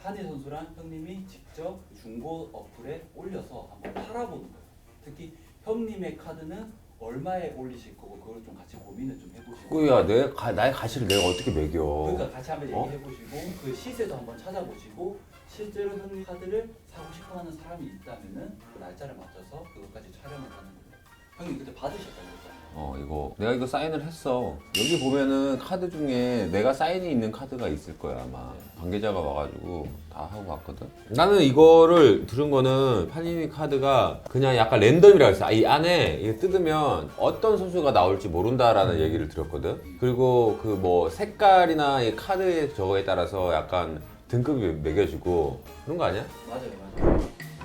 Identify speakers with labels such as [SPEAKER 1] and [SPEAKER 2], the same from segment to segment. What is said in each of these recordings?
[SPEAKER 1] 한희 선수랑 형님이 직접 중고 어플에 올려서 한번 팔아보는 거예요. 특히 형님의 카드는 얼마에 올리실 거고 그걸 좀 같이 고민을 좀 해보시고.
[SPEAKER 2] 꾸야, 나의 가시를 내가 어떻게 매겨?
[SPEAKER 1] 그러니까 같이 한번 얘기해보시고 그 시세도 한번 찾아보시고 실제로 형님 카드를 사고 싶어하는 사람이 있다면은 그 날짜를 맞춰서 그것까지 촬영을 하는 거예요. 형님 그때 받으셨다고 했잖아요.
[SPEAKER 2] 이거 내가 이거 사인을 했어. 여기 보면은 카드 중에 내가 사인이 있는 카드가 있을 거야 아마. 관계자가 와가지고 다 하고 갔거든. 나는 이거를 들은 거는 파니니 카드가 그냥 약간 랜덤이라고 했어. 이 안에 이게 뜯으면 어떤 선수가 나올지 모른다라는 얘기를 들었거든. 그리고 그 뭐 색깔이나 이 카드의 저거에 따라서 약간 등급이 매겨지고 그런 거 아니야?
[SPEAKER 1] 맞아요.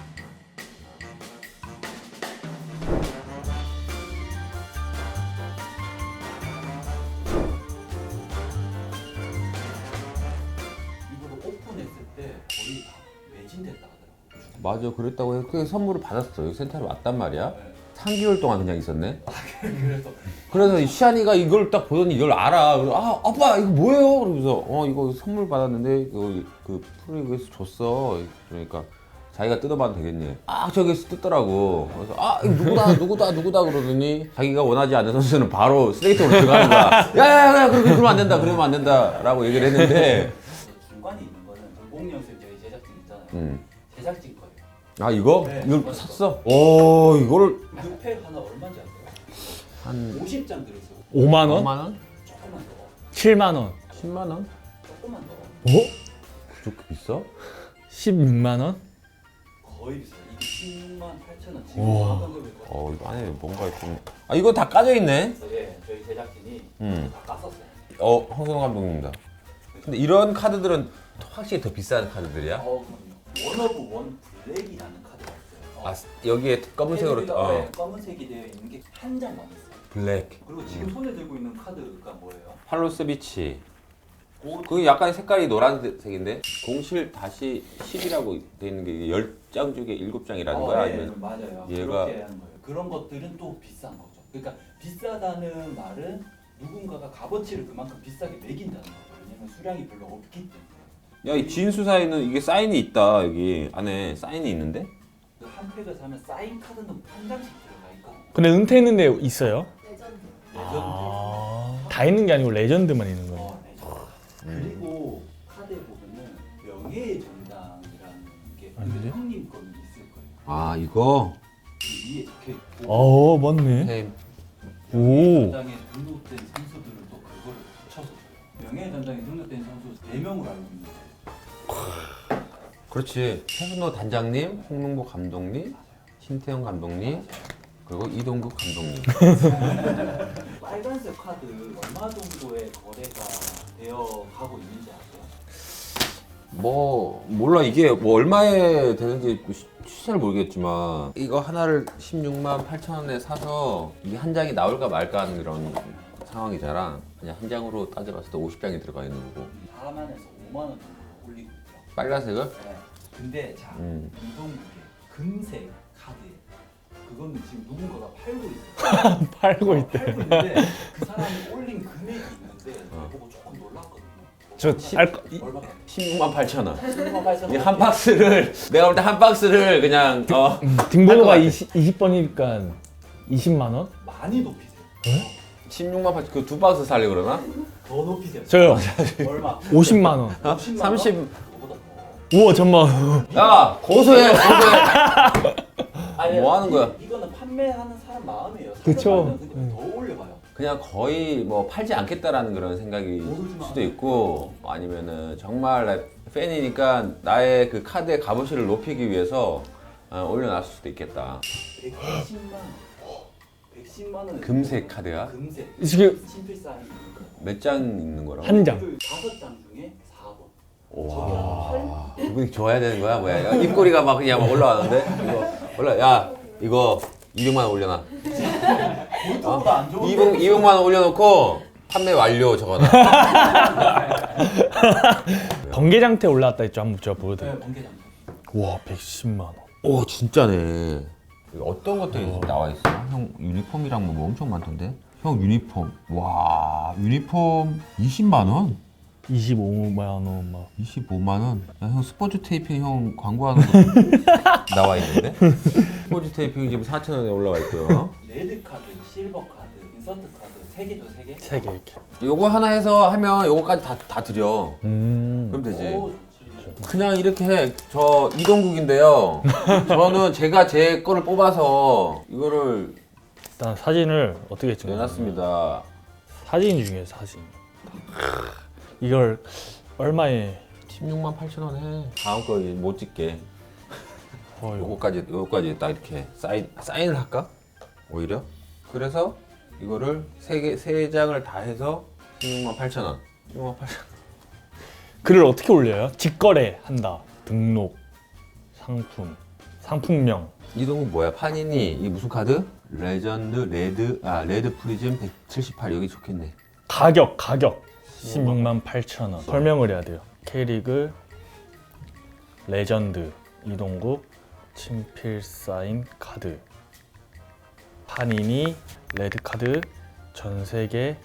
[SPEAKER 1] 이거를 오픈했을 때 거의 다 매진됐다 하더라고요.
[SPEAKER 2] 맞아, 그랬다고 해서 그 선물을 받았어. 여기 센터에 왔단 말이야.
[SPEAKER 1] 네.
[SPEAKER 2] 3개월 동안 그냥 있었네.
[SPEAKER 1] 그래서
[SPEAKER 2] 그래서 시안이가 이걸 딱 보더니 이걸 알아. 그래서 아빠 이거 뭐예요? 그러면서 이거 선물 받았는데 이거 그 프로리그에서 줬어. 그러니까 자기가 뜯어봐도 되겠니? 저기서 뜯더라고. 그래서 이거 누구다 그러더니 자기가 원하지 않는 선수는 바로 쓰레기통으로 들어가는 거야. 야야야 그러면 안 된다. 그러면 안 된다라고 얘기를 했는데.
[SPEAKER 1] 중간에 있는 거는 공공연수의 저희 제작진 있잖아요. 제작진 거예요.
[SPEAKER 2] 이거?
[SPEAKER 1] 네,
[SPEAKER 2] 이걸
[SPEAKER 1] 맞아.
[SPEAKER 2] 샀어? 오 이거를
[SPEAKER 1] 그 팩 하나 얼마인지 아세요?
[SPEAKER 2] 한
[SPEAKER 1] 50장 들었어요.
[SPEAKER 3] 5만 원?
[SPEAKER 2] 5만 원?
[SPEAKER 1] 조금만 더.
[SPEAKER 3] 7만 원?
[SPEAKER 2] 10만 원?
[SPEAKER 1] 조금만 더.
[SPEAKER 2] 그렇게 비싸?
[SPEAKER 3] 16만 원?
[SPEAKER 1] 거의 비싸요. 이게 16만 8천 원. 지금
[SPEAKER 3] 우와.
[SPEAKER 1] 가격을 거의.
[SPEAKER 2] 이거 안에 뭔가 좀. 이거 다 까져 있네.
[SPEAKER 1] 예, 저희 제작진이 다 깠었어요.
[SPEAKER 2] 황선호 감독님입니다. 근데 이런 카드들은 확실히 더 비싼 카드들이야?
[SPEAKER 1] 그럼요. 원 오브 원 블랙이라는 카드가 있어요.
[SPEAKER 2] 여기에 검은색으로
[SPEAKER 1] 검은색이 되어 있는 게 한 장만 있어요.
[SPEAKER 2] 블랙.
[SPEAKER 1] 그리고 지금 손에 들고 있는 카드가 뭐예요?
[SPEAKER 2] 팔로스비치. 그 약간 색깔이 노란색인데 07-10이라고 돼 있는 게 10장 중에 7장이라는 거야? 아니면
[SPEAKER 1] 맞아요.
[SPEAKER 2] 얘가-
[SPEAKER 1] 그렇게 하는 거예요. 그런 것들은 또 비싼 거죠. 그러니까 비싸다는 말은 누군가가 값어치를 그만큼 비싸게 매긴다는 거죠. 왜냐면 수량이 별로 없기 때문에.
[SPEAKER 2] 야, 이 진수 사인은 이게 사인이 있다. 여기 안에 사인이 있는데?
[SPEAKER 1] 그 한 팩을 사면 사인 카드는 한 장씩 들어가 있거든요.
[SPEAKER 3] 근데 은퇴했는 데 있어요?
[SPEAKER 1] 레전드.
[SPEAKER 3] 다 있는 게 아니고 레전드만 있는 거예요.
[SPEAKER 1] 레전드. 그리고 카드에 보면은 명예의 전당이라는 게
[SPEAKER 3] 아닌데?
[SPEAKER 1] 형님 거는 있을 거예요.
[SPEAKER 2] 이거?
[SPEAKER 1] 그 위에 적혀 있고.
[SPEAKER 3] 맞네.
[SPEAKER 2] 템.
[SPEAKER 1] 명예의
[SPEAKER 3] 오.
[SPEAKER 1] 전당에 등록된 선수들은 또 그거를 붙여서 줘요. 명예의 전당에 등록된 선수 4명으로 알고 있는데.
[SPEAKER 2] 그렇지. 최순호 단장님, 홍명보 감독님, 신태영 감독님, 그리고 이동국 감독님.
[SPEAKER 1] 빨간색 카드 얼마 정도의 거래가 되어 가고 있는지 아세요?
[SPEAKER 2] 몰라. 이게 뭐 얼마에 되는지 시세를 모르겠지만 이거 하나를 16만 8천 원에 사서 이게 한 장이 나올까 말까 하는 그런 상황이잖아. 그냥 한 장으로 따져봤을 때 50장이 들어가 있는 거고.
[SPEAKER 1] 4만에서 5만 원 정도 올리고 있죠.
[SPEAKER 2] 빨간색을?
[SPEAKER 1] 네. 근데 자, 이동국의 금색 카드 그거는 지금 누군가가 팔고 있어요.
[SPEAKER 3] 팔고 있대.
[SPEAKER 1] 팔고 있는데 그 사람이 올린 금액이 있는데 보고 조금 놀랐거든요. 얼마?
[SPEAKER 2] 16만 8천 원.
[SPEAKER 1] 16만 8천
[SPEAKER 2] 이 한 박스를 내가 볼 때 한 박스를 그냥
[SPEAKER 3] 등번호가
[SPEAKER 2] 할
[SPEAKER 3] 20번이니까 20만 원?
[SPEAKER 1] 많이 높이세요.
[SPEAKER 2] 16만 8천 그 두 박스 살려 그러나?
[SPEAKER 1] 더 높이세요.
[SPEAKER 3] 저요.
[SPEAKER 1] 얼마?
[SPEAKER 3] 50만 원.
[SPEAKER 1] 50만
[SPEAKER 2] 30.
[SPEAKER 1] 원? 그거보다
[SPEAKER 3] 우와 잠만.
[SPEAKER 2] 야 고소해.
[SPEAKER 1] 아니,
[SPEAKER 2] 뭐 하는 거야?
[SPEAKER 1] 이거는 판매하는 사람 마음이에요.
[SPEAKER 3] 그쵸.
[SPEAKER 1] 근데 더 올려봐요.
[SPEAKER 2] 그냥 거의 뭐 팔지 않겠다라는 그런 생각이
[SPEAKER 1] 모르지만
[SPEAKER 2] 수도 있고 아니면은 정말 팬이니까 나의 그 카드의 값어치를 높이기 위해서 올려놨을 수도 있겠다.
[SPEAKER 1] 110만 원. 110만 원.
[SPEAKER 2] 금색 카드야?
[SPEAKER 1] 금색.
[SPEAKER 3] 지금
[SPEAKER 1] 심플 사인.
[SPEAKER 2] 몇 장 있는 거라고?
[SPEAKER 3] 한 장.
[SPEAKER 1] 5장 중에 4번.
[SPEAKER 2] 와 기분이 좋아야 되는 거야 뭐야? 야, 입꼬리가 막 그냥 막 올라가는데 이거 200만 원 올려놔.
[SPEAKER 1] 그것보다 안 좋은데.
[SPEAKER 2] 200만 원 올려놓고 판매 완료 적어놔.
[SPEAKER 3] 번개장태 올라왔다 했죠. 한번 제가 보여드릴게요.
[SPEAKER 1] 네, 번개장.
[SPEAKER 3] 와 110만 원.
[SPEAKER 2] 오 진짜네. 어떤 것들이 나와 있어? 형 유니폼이랑 뭐 엄청 많던데? 형 유니폼. 와 유니폼 20만 원?
[SPEAKER 3] 25만 원 막.
[SPEAKER 2] 25만 원? 야, 형 스포츠 테이핑 형 광고하는 거 나와 있는데? 스포츠 테이핑 지금 4,000원에 올라와 있고요.
[SPEAKER 1] 레드 카드, 실버 카드, 인서트 카드 3개죠, 3개?
[SPEAKER 3] 3개 이렇게.
[SPEAKER 2] 요거 하나 해서 하면 요거까지 다 드려. 그럼 되지.
[SPEAKER 1] 오, 좋지.
[SPEAKER 2] 그냥 이렇게 해. 저 이동국인데요. 저는 제가 제 거를 뽑아서 이거를
[SPEAKER 3] 일단 사진을 어떻게 찍냐?
[SPEAKER 2] 내놨습니다.
[SPEAKER 3] 사진 중에 사진. 이걸 얼마에?
[SPEAKER 2] 16만 8천 원 해. 다음 거 못 찍게.
[SPEAKER 3] 요거.
[SPEAKER 2] 요거까지 딱 이렇게 사인을 할까? 오히려. 그래서 이거를 세 장을 다 해서 16만 8천 원. 16만 8천 원.
[SPEAKER 3] 글을 어떻게 올려요? 직거래 한다. 등록. 상품. 상품명.
[SPEAKER 2] 이동국 뭐야? 파니니 이 무슨 카드? 레전드 레드 프리즘 178 여기 좋겠네.
[SPEAKER 3] 가격 16만 8천 원. 설명을 해야 돼요. K리그 레전드 이동국 친필 사인 카드. 파니니 레드 카드 전 세계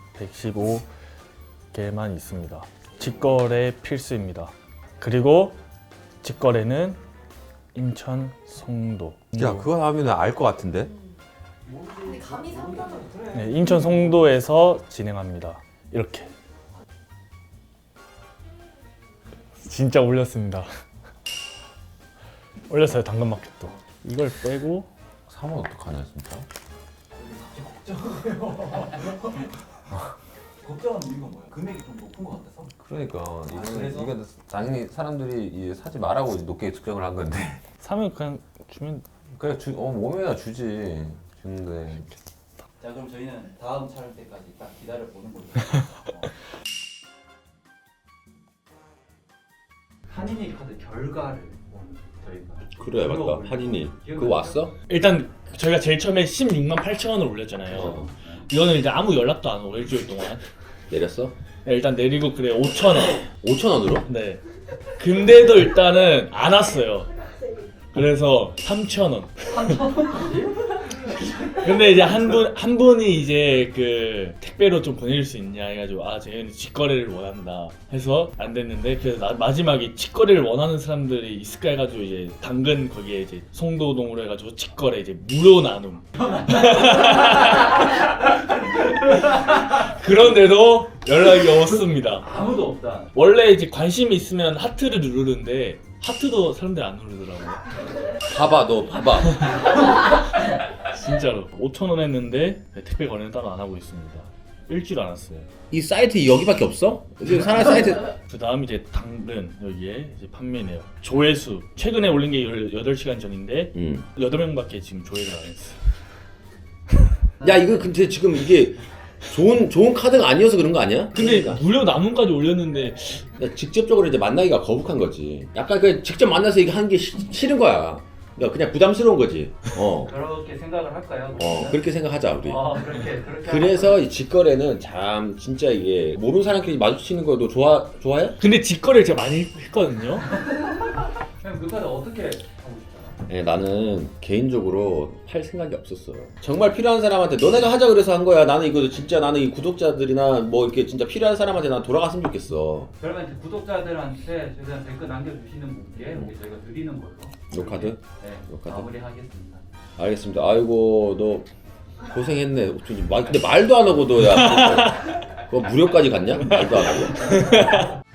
[SPEAKER 3] 115개만 있습니다. 직거래 필수입니다. 그리고 직거래는 인천 송도.
[SPEAKER 2] 야 그거 하면 알 것 같은데?
[SPEAKER 4] 근데 감이 상관은
[SPEAKER 3] 네, 인천 송도에서 진행합니다. 이렇게. 진짜 올렸습니다. 올렸어요, 당근마켓도. 이걸 빼고
[SPEAKER 2] 사면 어떡하냐 진짜?
[SPEAKER 1] 걱정하는 이유가 뭐야? 금액이 좀 높은 것 같아서?
[SPEAKER 2] 그러니까
[SPEAKER 1] 그래서?
[SPEAKER 2] 이건 당연히 사람들이 이제 사지 말라고 높게 측정을 한 건데
[SPEAKER 3] 사면 그냥 주면.
[SPEAKER 2] 그냥 몸에다 주지 주는데
[SPEAKER 1] 자, 그럼 저희는 다음 촬영 때까지 딱 기다려 보는 걸로. 한인이 카드 결과를 오늘 저희가
[SPEAKER 2] 그래
[SPEAKER 1] 맞다.
[SPEAKER 2] 맞다 파니니
[SPEAKER 1] 기억나죠?
[SPEAKER 2] 그거 왔어?
[SPEAKER 5] 일단 저희가 제일 처음에 16만 8천 원을 올렸잖아요. 이거는 이제 아무 연락도 안 오고 일주일 동안.
[SPEAKER 2] 내렸어?
[SPEAKER 5] 네, 일단 내리고 그래 5천 원.
[SPEAKER 2] 5천 원으로?
[SPEAKER 5] 네. 근데도 일단은 안 왔어요. 그래서 3천 원. 근데 이제 한 분이 이제 그 택배로 좀 보내줄 수 있냐 해가지고 아 저희는 직거래를 원한다 해서 안 됐는데 그래서 마지막에 직거래를 원하는 사람들이 있을까 해가지고 이제 당근 거기에 이제 송도동으로 해가지고 직거래 이제 무료 나눔. 그런데도 연락이 없습니다.
[SPEAKER 1] 아무도 없다.
[SPEAKER 5] 원래 이제 관심이 있으면 하트를 누르는데 하트도 사람들이 안 누르더라고요.
[SPEAKER 2] 봐봐 너 봐봐
[SPEAKER 5] 진짜로 5천 원 했는데 택배 거래는 따로 안 하고 있습니다. 일주일 안 왔어요.
[SPEAKER 2] 이 사이트 여기밖에 없어? 지금 사람 사이트
[SPEAKER 5] 그 다음 이제 당근 여기에 이제 판매네요. 조회수 최근에 올린 게 18시간 전인데 8명밖에 지금 조회를 안 했어요.
[SPEAKER 2] 야 이거 근데 지금 이게 좋은 카드가 아니어서 그런 거 아니야?
[SPEAKER 5] 근데
[SPEAKER 2] 그러니까.
[SPEAKER 5] 무료 나눔까지 올렸는데
[SPEAKER 2] 직접적으로 이제 만나기가 거북한 거지. 약간 그 직접 만나서 이게 하는 게 싫은 거야. 그러니까 그냥 부담스러운 거지.
[SPEAKER 1] 그렇게 생각을 할까요?
[SPEAKER 2] 그렇게 생각하자 우리.
[SPEAKER 1] 그렇게.
[SPEAKER 2] 그래서 이 직거래는 참 진짜 이게 모르는 사람끼리 마주치는 거도 좋아해?
[SPEAKER 5] 근데 직거래를 제가 많이 했거든요.
[SPEAKER 1] 그럼 그 카드 어떻게 하고 싶잖아.
[SPEAKER 2] 네, 나는 개인적으로 팔 생각이 없었어. 정말 필요한 사람한테 너네가 하자 그래서 한 거야. 나는 이거 진짜 나는 이 구독자들이나 뭐 이렇게 진짜 필요한 사람한테 난 돌아갔으면 좋겠어.
[SPEAKER 1] 그러면 이제 구독자들한테 최대한 댓글 남겨주시는 분께 우리 저희가 드리는 걸로.
[SPEAKER 2] 요 카드?
[SPEAKER 1] 네,
[SPEAKER 2] 요 카드?
[SPEAKER 1] 마무리하겠습니다.
[SPEAKER 2] 알겠습니다. 아이고 너 고생했네. 근데 말도 안 하고 너야 그거 무료까지 갔냐? 말도 안 하고.